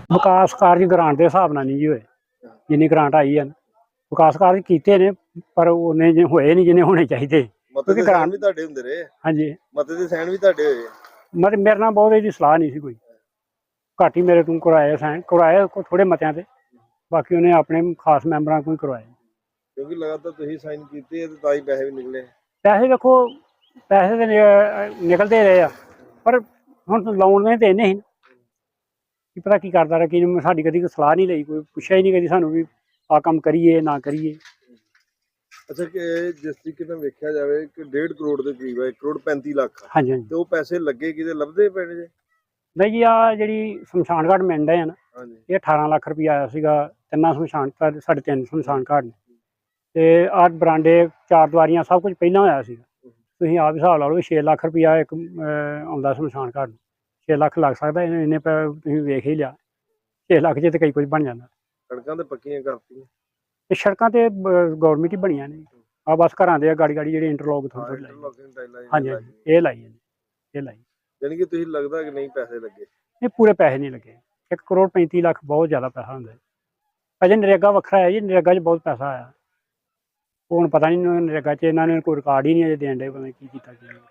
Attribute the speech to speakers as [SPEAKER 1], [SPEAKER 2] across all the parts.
[SPEAKER 1] ਵਿਕਾਸ ਕਾਰਜ ਗ੍ਰਾਂਟ ਦੇ ਹਿਸਾਬ ਨਾਲ ਨਹੀਂ ਜੀ ਹੋਏ। ਜਿੰਨੀ ਗ੍ਰਾਂਟ ਆਈ ਹੈ ਵਿਕਾਸ ਕਾਰਜ ਕੀਤੇ ਨੇ ਪਰ ਉਹਨੇ ਜੇ ਹੋਏ ਨਹੀਂ ਜਿੰਨੇ ਹੋਣੇ ਚਾਹੀਦੇ।
[SPEAKER 2] ਮਤੇ ਦੇ ਸਾਈਨ ਵੀ ਤੁਹਾਡੇ ਹੁੰਦੇ ਰਹੇ।
[SPEAKER 1] ਹਾਂਜੀ
[SPEAKER 2] ਮਤੇ ਦੇ ਸਾਈਨ ਵੀ ਤੁਹਾਡੇ ਹੋਏ।
[SPEAKER 1] ਮਤਲਬ ਮੇਰੇ ਨਾਲ ਬਹੁਤ ਇਹਦੀ ਸਲਾਹ ਨਹੀਂ ਸੀ ਕੋਈ, ਘੱਟ ਹੀ ਮੇਰੇ ਤੋਂ ਕਰਵਾਏ ਸਾਈਨ ਕਰਵਾਏ ਥੋੜੇ ਮਤਿਆਂ ਤੇ, ਬਾਕੀ ਉਹਨੇ ਆਪਣੇ ਖਾਸ ਮੈਂਬਰਾਂ ਕੋਲ ਕਰਵਾਏ।
[SPEAKER 2] ਕਿਉਂਕਿ ਲਗਾਤਾਰ ਤੁਸੀਂ ਸਾਈਨ ਕੀਤੇ ਤੇ ਤਾਂ ਹੀ ਪੈਸੇ ਵੀ ਨਿਕਲੇ।
[SPEAKER 1] ਪੈਸੇ ਵੇਖੋ ਪੈਸੇ ਤੇ ਨਿਕਲਦੇ ਰਹੇ ਆ ਪਰ ਹੁਣ ਲਾਉਣ ਨੇ ਤੇ ਇੰਨੇ ਸੀ ਕੀ ਪਤਾ ਕੀ ਕਰਦਾ ਰਿਹਾ, ਕੀ ਸਾਡੀ ਕਦੀ ਕੋਈ ਸਲਾਹ ਨਹੀਂ ਲਈ, ਕੋਈ ਪੁੱਛਿਆ ਹੀ ਨਹੀਂ ਕਦੀ ਸਾਨੂੰ ਵੀ ਆਹ ਕੰਮ ਕਰੀਏ ਨਾ ਕਰੀਏ।
[SPEAKER 2] ਅੱਛਾ ਕਿ ਜਿਸ ਤਰੀਕੇ ਨਾਲ ਵੇਖਿਆ ਜਾਵੇ ਕਿ 1.5 ਕਰੋੜ ਦੇ ਕਰੀਬ ਹੈ, 1 ਕਰੋੜ 35 ਲੱਖ।
[SPEAKER 1] ਹਾਂਜੀ ਹਾਂਜੀ
[SPEAKER 2] ਤੇ ਉਹ ਪੈਸੇ ਲੱਗੇ ਕਿਤੇ ਲੱਭਦੇ ਪਏ ਜੇ?
[SPEAKER 1] ਨਹੀਂ ਜੀ, ਆਹ ਜਿਹੜੀ ਸ਼ਮਸ਼ਾਨ ਘਾਟ ਮਿਲ ਰਹੇ ਆ ਨਾ, ਇਹ 18 ਲੱਖ ਰੁਪਈਆ ਆਇਆ ਸੀਗਾ ਤਿੰਨਾਂ ਸ਼ਮਸ਼ਾਨ ਘਾਟ, ਸਾਡੇ 3 ਸ਼ਮਸ਼ਾਨ ਘਾਟ ਨੇ, ਤੇ ਆਹ ਬਰਾਂਡੇ 4 ਦੀਵਾਰੀਆਂ ਸਭ ਕੁਝ ਪਹਿਲਾਂ ਹੋਇਆ ਸੀਗਾ। ਤੁਸੀਂ ਆਪ ਹਿਸਾਬ ਲਾ ਲਓ 6 ਲੱਖ ਰੁਪਈਆ ਇੱਕ ਆਉਂਦਾ ਸ਼ਮਸ਼ਾਨ ਘਾਟ, 6 ਲੱਖ ਲੱਗ ਸਕਦਾ, ਇੰਨੇ ਤੁਸੀਂ ਵੇਖ ਹੀ ਲਿਆ 6 ਲੱਖ 'ਚ ਤੇ ਕਈ ਕੁਝ ਬਣ ਜਾਂਦਾ।
[SPEAKER 2] ਸੜਕਾਂ ਤੇ ਪੱਕੀਆਂ ਕਰਤੀਆਂ
[SPEAKER 1] ਤੇ ਸੜਕਾਂ ਤੇ ਗੌਰਮੈਂਟ ਹੀ ਬਣੀਆਂ ਨੇ, ਆ ਬਸ ਘਰਾਂ ਦੇ ਗਾੜੀ ਗਾੜੀ ਜਿਹੜੇ ਇੰਟਰਲੋਕ ਥੋੜ੍ਹੀ ਲਾਈ। ਹਾਂਜੀ ਇਹ ਲਾਈ ਹੈ, ਇਹ ਲਾਈ।
[SPEAKER 2] ਯਾਨੀ ਕਿ ਤੁਸੀਂ ਲੱਗਦਾ ਕਿ ਨਹੀਂ ਪੈਸੇ ਲੱਗੇ?
[SPEAKER 1] ਇਹ ਪੂਰੇ ਪੈਸੇ ਨਹੀਂ ਲੱਗੇ। 1 ਕਰੋੜ 35 ਲੱਖ ਬਹੁਤ ਜ਼ਿਆਦਾ ਪੈਸਾ ਹੁੰਦਾ। ਅਜੇ ਨਰੇਗਾ ਵੱਖਰਾ ਹੈ ਜੀ, ਨਰੇਗਾ 'ਚ ਬਹੁਤ ਪੈਸਾ ਆਇਆ। ਉਹ ਹੁਣ ਪਤਾ ਨਹੀਂ ਨਰੇਗਾ 'ਚ ਇਹਨਾਂ ਨੇ ਕੋਈ ਰਿਕਾਰਡ ਹੀ ਨਹੀਂ ਅਜੇ ਦੇਣ ਡੇ, ਪਤਾ ਕੀ ਕੀਤਾ ਕੀ ਨਹੀਂ।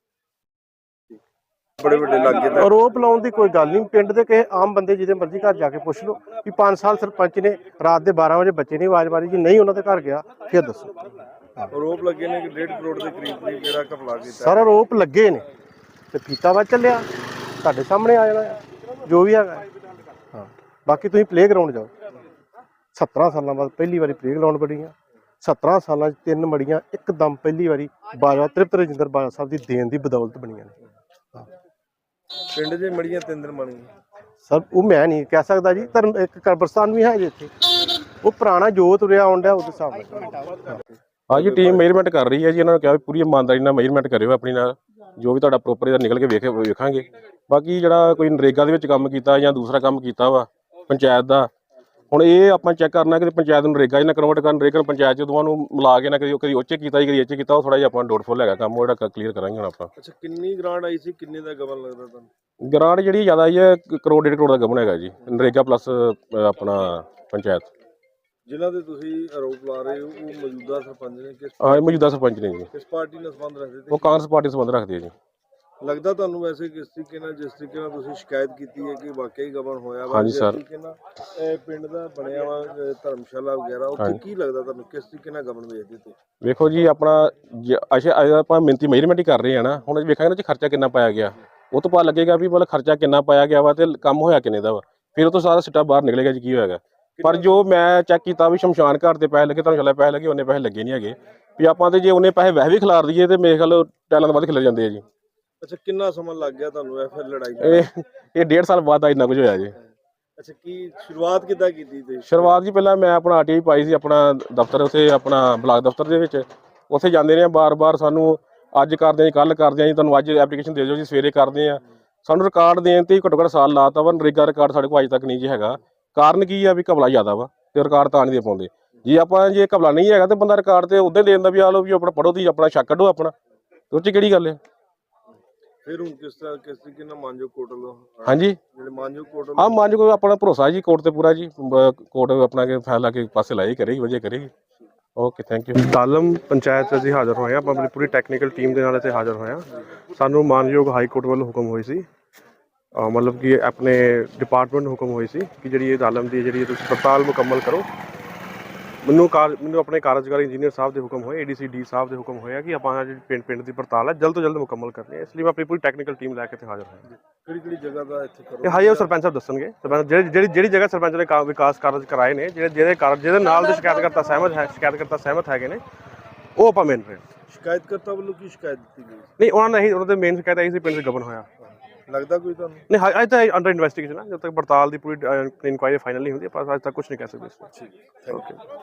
[SPEAKER 2] ਬੜੇ ਵੱਡੇ ਲੱਗੇ ਤਾਂ
[SPEAKER 3] ਆਰੋਪ ਲਾਉਣ ਦੀ ਕੋਈ ਗੱਲ ਨਹੀਂ। ਪਿੰਡ ਦੇ ਕਿਸੇ ਆਮ ਬੰਦੇ ਜਿਹਦੇ ਮਰਜ਼ੀ ਘਰ ਜਾ ਕੇ ਪੁੱਛ ਲਓ ਵੀ 5 ਸਾਲ ਸਰਪੰਚ ਨੇ ਰਾਤ ਦੇ 12 ਵਜੇ ਬੱਚੇ ਨੇ ਆਵਾਜ਼ ਮਾਰੀ ਜੀ ਨਹੀਂ ਉਹਨਾਂ ਦੇ ਘਰ ਗਿਆ, ਫਿਰ ਦੱਸੋ।
[SPEAKER 2] ਆਰੋਪ ਲੱਗੇ ਨੇ ਕਿ 1.5 ਕਰੋੜ ਦੇ ਕਰੀਬ ਜਿਹੜਾ ਘਪਲਾ ਕੀਤਾ।
[SPEAKER 3] ਸਰ ਆਰੋਪ ਲੱਗੇ ਨੇ ਤੇ ਫੀਤਾ ਵਾ ਚੱਲਿਆ, ਤੁਹਾਡੇ ਸਾਹਮਣੇ ਆ ਜਾਣਾ ਜੋ ਵੀ ਹੈਗਾ। ਹਾਂ ਬਾਕੀ ਤੁਸੀਂ ਪਲੇ ਗਰਾਊਂਡ ਜਾਓ, 17 ਸਾਲਾਂ ਬਾਅਦ ਪਹਿਲੀ ਵਾਰੀ ਪਲੇ ਗਰਾਊਂਡ ਬਣੀਆਂ। 17 ਸਾਲਾਂ 'ਚ 3 ਮੜੀਆਂ ਇੱਕਦਮ ਪਹਿਲੀ ਵਾਰੀ ਬਾਜਵਾ ਤ੍ਰਿਪਤ ਰਜਿੰਦਰ ਬਾਜਵਾ ਸਾਹਿਬ ਦੀ ਦੇਣ ਦੀ ਬਦੌਲਤ ਬਣੀਆਂ ਨੇ।
[SPEAKER 2] ਪਿੰਡ 'ਚ ਮੜੀਆਂ 3 ਦਿਨ ਬਣੀਆਂ
[SPEAKER 3] ਸਰ ਉਹ ਮੈਂ ਨਹੀਂ ਕਹਿ ਸਕਦਾ ਜੀ। ਧਰਮ ਇੱਕ ਕਬਰਸਤਾਨ ਵੀ ਹੈ ਜੀ ਇੱਥੇ, ਉਹ ਪੁਰਾਣਾ ਜੋ ਤੁਰਿਆ ਆਉਂਦਾ ਉਹਦੇ ਹਿਸਾਬ ਨਾਲ।
[SPEAKER 4] ਹਾਂ ਜੀ ਟੀਮ ਮੇਜਰਮੈਂਟ ਕਰ ਰਹੀ ਹੈ ਜੀ। ਇਹਨਾਂ ਨੂੰ ਕਿਹਾ ਵੀ ਪੂਰੀ ਇਮਾਨਦਾਰੀ ਨਾਲ ਮੇਜਰਮੈਂਟ ਕਰਿਓ ਆਪਣੀ ਨਾਲ, ਜੋ ਵੀ ਤੁਹਾਡਾ ਪ੍ਰੋਪਰ ਇਹਦਾ ਨਿਕਲ ਕੇ ਵੇਖਾਂਗੇ। ਬਾਕੀ ਜਿਹੜਾ ਕੋਈ ਨਰੇਗਾ ਦੇ ਵਿੱਚ ਕੰਮ ਕੀਤਾ ਜਾਂ ਦੂਸਰਾ ਕੰਮ ਕੀਤਾ ਵਾ ਪੰਚਾਇਤ ਦਾ, ਹੁਣ ਇਹ ਆਪਾਂ ਚੈੱਕ ਕਰਨਾ ਕਿ ਪੰਚਾਇਤ ਨੂੰ ਨਰੇਗਾ 'ਚ ਨਾ ਕਨਵਰਟ ਕਰਨ, ਨਰੇਗਾ ਨੂੰ ਪੰਚਾਇਤ 'ਚ ਦੋਵਾਂ ਨੂੰ ਮਿਲਾ ਕੇ ਨਾ ਕਦੀ ਉਹ 'ਚ ਕੀਤਾ ਜੀ ਕਦੀ ਇਹ 'ਚ ਕੀਤਾ। ਉਹ ਥੋੜ੍ਹਾ ਜਿਹਾ ਆਪਾਂ ਡੋਟਫੁਲ ਹੈਗਾ ਕੰਮ, ਉਹ ਜਿਹੜਾ ਕਲੀਅਰ ਕਰਾਂਗੇ ਹੁਣ ਆਪਾਂ।
[SPEAKER 2] ਅੱਛਾ ਕਿੰਨੀ ਗ੍ਰਾਂਟ ਆਈ ਸੀ, ਕਿੰਨੇ ਦਾ ਗਬਨ ਲੱਗਦਾ ਤੁਹਾਨੂੰ?
[SPEAKER 4] ਗ੍ਰਾਂਟ ਜਿਹੜੀ ਜ਼ਿਆਦਾ ਆਈ ਹੈ 1 ਕਰੋੜ 1.5 ਕਰੋੜ ਦਾ ਗਬਨ ਹੈਗਾ ਜੀ, ਨਰੇਗਾ ਪਲੱਸ ਆਪਣਾ ਪੰਚਾਇਤ।
[SPEAKER 2] ਜਿਨ੍ਹਾਂ ਦੇ ਤੁਸੀਂ ਆਰੋਪ ਲਾ ਰਹੇ ਹੋ ਉਹ ਮੌਜੂਦਾ ਸਰਪੰਚ ਨੇ?
[SPEAKER 4] ਹਾਂ ਮੌਜੂਦਾ ਸਰਪੰਚ ਨੇ ਜੀ।
[SPEAKER 2] ਕਿਸ ਪਾਰਟੀ ਨਾਲ ਸੰਬੰਧ ਰੱਖਦੇ
[SPEAKER 4] ਉਹ ਕਾਂਗਰਸ ਪਾਰਟੀ ਸੰਬੰਧ ਰੱਖਦੀ ਹੈ ਜੀ।
[SPEAKER 2] ਲੱਗਦਾ ਤੁਹਾਨੂੰ ਵੈਸੇ ਕਿਸ ਤਰੀਕੇ ਨਾਲ, ਜਿਸ ਤਰੀਕੇ ਨਾਲ ਤੁਸੀਂ ਸ਼ਿਕਾਇਤ ਕੀਤੀ ਹੈ ਕਿ ਵਾਕਈ ਗਬਨ ਹੋਇਆ ਵਾ?
[SPEAKER 4] ਹਾਂਜੀ ਸਰ।
[SPEAKER 2] ਤਰੀਕੇ ਨਾਲ ਇਹ ਪਿੰਡ ਦਾ ਬਣਿਆ ਵਾ ਧਰਮਸ਼ਾਲਾ ਵਗੈਰਾ, ਉੱਥੇ ਕੀ ਲੱਗਦਾ ਤੁਹਾਨੂੰ, ਕਿਸ ਤਰੀਕੇ ਨਾਲ ਗਬਨ ਵੇਚਦੇ ਤੇ?
[SPEAKER 4] ਵੇਖੋ ਜੀ ਆਪਣਾ ਅੱਛਾ ਆਪਾਂ ਮਿਹਨਤੀ ਮੇਜਰਮੈਂਟ ਹੀ ਕਰ ਰਹੇ ਹਾਂ ਨਾ, ਹੁਣ ਵੇਖਾਂਗੇ ਨਾ ਜੀ ਖਰਚਾ ਕਿੰਨਾ ਪਾਇਆ ਗਿਆ, ਉਹ ਤੋਂ ਪਤਾ ਲੱਗੇਗਾ ਵੀ ਮਤਲਬ ਖਰਚਾ ਕਿੰਨਾ ਪਾਇਆ ਗਿਆ ਵਾ ਤੇ ਕੰਮ ਹੋਇਆ ਕਿੰਨੇ ਦਾ ਵਾ, ਫਿਰ ਉਹ ਤੋਂ ਸਾਰਾ ਸਿੱਟਾ ਬਾਹਰ ਨਿਕਲੇਗਾ ਜੀ ਕੀ ਹੋਏਗਾ। ਪਰ ਜੋ ਮੈਂ ਚੈੱਕ ਕੀਤਾ ਵੀ ਸ਼ਮਸ਼ਾਨ ਘਾਟ ਦੇ ਪੈਸੇ ਲੱਗੇ, ਤੁਹਾਨੂੰ ਚੱਲਿਆ ਪੈਸੇ ਲੱਗੇ, ਉਹਨੇ ਪੈਸੇ ਲੱਗੇ ਨਹੀਂ ਹੈਗੇ ਵੀ ਆਪਾਂ ਤੇ ਜੇ ਉਹਨੇ ਪੈਸੇ ਵੈਸੇ ਵੀ ਖਿਲਾਰ ਦਈਏ ਤੇ ਮੇਰੇ ਖਿਆਲ ਟੈਲਾਂ ਤੋਂ ਵੱਧ ਖਿਲਰ ਜਾਂਦੇ ਆ ਜੀ।
[SPEAKER 2] ਅੱਛਾ ਕਿੰਨਾ ਸਮਾਂ ਲੱਗ ਗਿਆ ਤੁਹਾਨੂੰ ਇਹ ਫਿਰ ਲੜਾਈ?
[SPEAKER 4] ਇਹ 1.5 ਸਾਲ ਬਾਅਦ ਇੰਨਾ ਕੁਝ ਹੋਇਆ ਜੀ।
[SPEAKER 2] ਅੱਛਾ ਕੀ ਸ਼ੁਰੂਆਤ ਕਿੱਦਾਂ ਕੀਤੀ ਤੁਸੀਂ?
[SPEAKER 4] ਸ਼ੁਰੂਆਤ ਜੀ ਪਹਿਲਾਂ ਮੈਂ ਆਪਣਾ ਆਰਟੀਆਈ ਪਾਈ ਸੀ ਆਪਣਾ ਦਫ਼ਤਰ, ਉੱਥੇ ਆਪਣਾ ਬਲਾਕ ਦਫ਼ਤਰ ਦੇ ਵਿੱਚ, ਉੱਥੇ ਜਾਂਦੇ ਰਹੇ ਬਾਰ-ਬਾਰ, ਸਾਨੂੰ ਅੱਜ ਕਰਦੇ ਹਾਂ ਜੀ ਕੱਲ੍ਹ ਕਰਦੇ ਹਾਂ ਜੀ, ਤੁਹਾਨੂੰ ਅੱਜ ਐਪਲੀਕੇਸ਼ਨ ਦੇ ਦਿਓ ਜੀ, ਸਵੇਰੇ ਕਰਦੇ ਹਾਂ। ਸਾਨੂੰ ਰਿਕਾਰਡ ਦੇਣ ਤੇ ਘੱਟੋ ਘੱਟ ਸਾਲ ਲਾਤਾ ਵਾ, ਨਰੇਗਾ ਰਿਕਾਰਡ ਸਾਡੇ ਕੋਲ ਅੱਜ ਤੱਕ ਨਹੀਂ ਜੀ ਹੈਗਾ। ਕਾਰਨ ਕੀ ਆ ਵੀ ਘਪਲਾ ਜ਼ਿਆਦਾ ਵਾ ਤੇ ਰਿਕਾਰਡ ਤਾਂ ਨਹੀਂ ਦੇ ਪਾਉਂਦੇ ਜੀ। ਆਪਾਂ ਜੇ ਘਪਲਾ ਨਹੀਂ ਹੈਗਾ ਤੇ ਬੰਦਾ ਰਿਕਾਰਡ ਤੇ ਉੱਦਾਂ ਦੇਣ ਦਾ ਵੀ ਆ ਲਓ ਵੀ ਆਪਣਾ ਪੜ੍ਹੋ ਦੀ ਆਪਣਾ ਸ਼ੱਕ ਕੱਢੋ ਆਪਣਾ, ਉਹ 'ਚ ਕਿਹੜੀ ਗੱਲ ਹੈ।
[SPEAKER 2] ਫਿਰ ਹੁਣ ਕਿਸ ਤਰੀਕੇ ਨਾਲ ਮਾਨਜੋ ਕੋਰਟ ਵੱਲੋਂ?
[SPEAKER 4] ਹਾਂਜੀ
[SPEAKER 2] ਜਿਹੜੇ ਮਾਨਜੋ ਕੋਰਟ?
[SPEAKER 4] ਹਾਂ ਮਾਨਜੋ ਕੋਈ ਆਪਣਾ ਭਰੋਸਾ ਜੀ ਕੋਰਟ ਤੇ ਪੂਰਾ ਜੀ, ਕੋਰਟ ਆਪਣਾ ਕੇ ਫੈਸਲਾ ਕੇ ਪਾਸੇ ਲਾਈ ਕਰੇਗੀ, ਵਧੀਆ ਕਰੇਗੀ। Okay thank you.
[SPEAKER 3] Dalam panchayat ਅਸੀਂ ਹਾਜ਼ਰ ਹੋਏ ਹਾਂ, ਆਪਾਂ ਆਪਣੀ ਪੂਰੀ ਟੈਕਨੀਕਲ ਟੀਮ ਦੇ ਨਾਲ ਇੱਥੇ ਹਾਜ਼ਰ ਹੋਏ ਹਾਂ। ਸਾਨੂੰ ਮਾਨਯੋਗ ਹਾਈ ਕੋਰਟ ਵੱਲੋਂ ਹੁਕਮ ਹੋਈ ਸੀ, ਮਤਲਬ ਕਿ ਆਪਣੇ ਡਿਪਾਰਟਮੈਂਟ ਨੂੰ ਹੁਕਮ ਹੋਈ ਸੀ ਕਿ ਜਿਹੜੀ ਇਹ ਦਾਲਮ ਦੀ ਜਿਹੜੀ ਤੁਸੀਂ ਪੜਤਾਲ ਮੁਕੰਮਲ ਕਰੋ। ਮੈਨੂੰ ਆਪਣੇ ਕਾਰਜਕਾਰੀ ਇੰਜੀਨੀਅਰ ਸਾਹਿਬ ਦੇ ਹੁਕਮ ਹੋਏ, ADC ਸਾਹਿਬ ਦੇ ਹੁਕਮ ਹੋਇਆ ਕਿ ਆਪਾਂ ਜਿਹੜੀ ਪਿੰਡ ਦੀ ਪੜਤਾਲ ਹੈ ਜਲਦ ਤੋਂ ਜਲਦ ਮੁਕੰਮਲ ਕਰਨੀ ਹੈ। ਇਸ ਲਈ ਮੈਂ ਆਪਣੀ ਪੂਰੀ ਟੈਕਨੀਕਲ ਟੀਮ ਲੈ ਕੇ ਇੱਥੇ ਹਾਜ਼ਰ ਹੋਇਆ।
[SPEAKER 2] ਕਿਹੜੀ ਜਗ੍ਹਾ ਦਾ ਇੱਥੇ ਕਰੋ?
[SPEAKER 3] ਇਹ ਹਾਈ ਸਰਪੰਚ ਸਾਹਿਬ ਦੱਸਣਗੇ। ਜਿਹੜੀ ਜਗ੍ਹਾ ਸਰਪੰਚ ਨੇ ਵਿਕਾਸ ਕਾਰਜ ਕਰਾਏ ਨੇ, ਜਿਹਦੇ ਨਾਲ ਦੇ ਸ਼ਿਕਾਇਤਕਰਤਾ ਸਹਿਮਤ ਹੈਗੇ ਨੇ, ਉਹ ਆਪਾਂ ਮੰਨ ਰਹੇ ਹਾਂ।
[SPEAKER 2] ਸ਼ਿਕਾਇਤਕਰਤਾ ਵੱਲੋਂ ਕੀ ਸ਼ਿਕਾਇਤ ਦਿੱਤੀ ਗਈ?
[SPEAKER 3] ਨਹੀਂ ਉਹਨਾਂ ਦੇ ਮੇਨ ਸ਼ਿਕਾਇਤ ਆਈ ਸੀ ਪਿੰਡ 'ਚ ਗਬਨ ਹੋਇਆ।
[SPEAKER 2] ਲੱਗਦਾ ਕੋਈ ਤੁਹਾਨੂੰ?
[SPEAKER 3] ਨਹੀਂ ਅੱਜ ਤਾਂ ਅੰਡਰ ਇਨਵੈਸਟੀਗੇਸ਼ਨ ਹੈ, ਜਦ ਤੱਕ ਪੜਤਾਲ ਦੀ ਪੂਰੀ ਇਨਕੁਆਇਰੀ ਫਾਈਨਲ ਨਹੀਂ ਹੁੰਦੀ ਆਪਾਂ ਅੱਜ ਤੱਕ ਕੁਝ ਨਹੀਂ ਕਹਿ ਸਕਦੇ।
[SPEAKER 2] ਠੀਕ ਹੈ, ਓਕੇ।